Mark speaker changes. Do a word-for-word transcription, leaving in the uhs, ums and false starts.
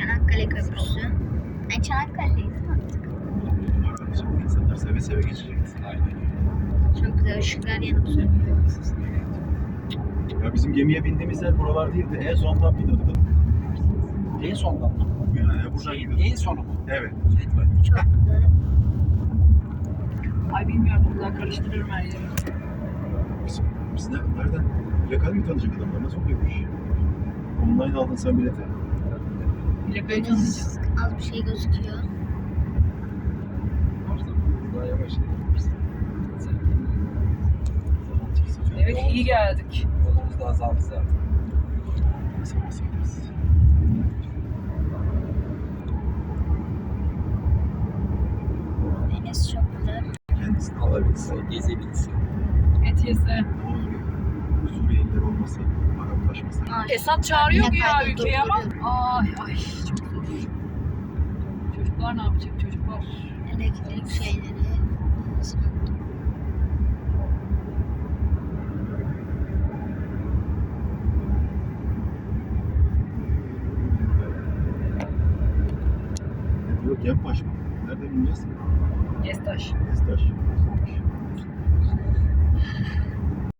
Speaker 1: Çanakkale Köprüsü. Ben Çanakkale'deyiz artık.
Speaker 2: İnsanlar seve seve geçecekti.
Speaker 3: Aynen.
Speaker 1: Çok güzel ışıklar yanıp sönüyor.
Speaker 2: Ya bizim gemiye bindiğimiz yer buralar değildi. En sondan biniyorduk.
Speaker 3: En sondan mı?
Speaker 2: Yani buradan
Speaker 3: Şey,
Speaker 2: gidiyorduk.
Speaker 3: en sonu mu?
Speaker 2: Evet.
Speaker 1: Çok güzel.
Speaker 4: Ay bilmiyorum, buradan karıştırırım her yeri.
Speaker 2: Biz, biz ne, nereden? Plakayı mı tanıyacak adamlar? Nasıl oluyormuş? Online aldın sen bileti.
Speaker 4: Plakayı tanıyacağız.
Speaker 1: Az bir şey gözüküyor.
Speaker 3: Daha yavaş gidiyoruz.
Speaker 4: Evet, iyi geldik.
Speaker 3: Yolumuz da azaldı zaten.
Speaker 2: Nasıl basarız?
Speaker 1: Deniz çok güzel.
Speaker 2: Kendisini
Speaker 3: Alabilse, gezebilse.
Speaker 4: Et yese.
Speaker 2: Ne olur ya? Suriyeliler olmasa, Araplaşmasa.
Speaker 1: Ay,
Speaker 4: Esat çağırıyor
Speaker 1: yine
Speaker 4: ya
Speaker 1: kaydı
Speaker 4: ülkeye ama.
Speaker 1: durduruyor.
Speaker 4: Ay ay çok zor. Çocuklar ne yapacak çocuklar?
Speaker 1: Elektrik şeyleri.
Speaker 2: Yok Yenpaş mı? Nereden bineceğiz?
Speaker 4: Gestaş.
Speaker 2: Estaş.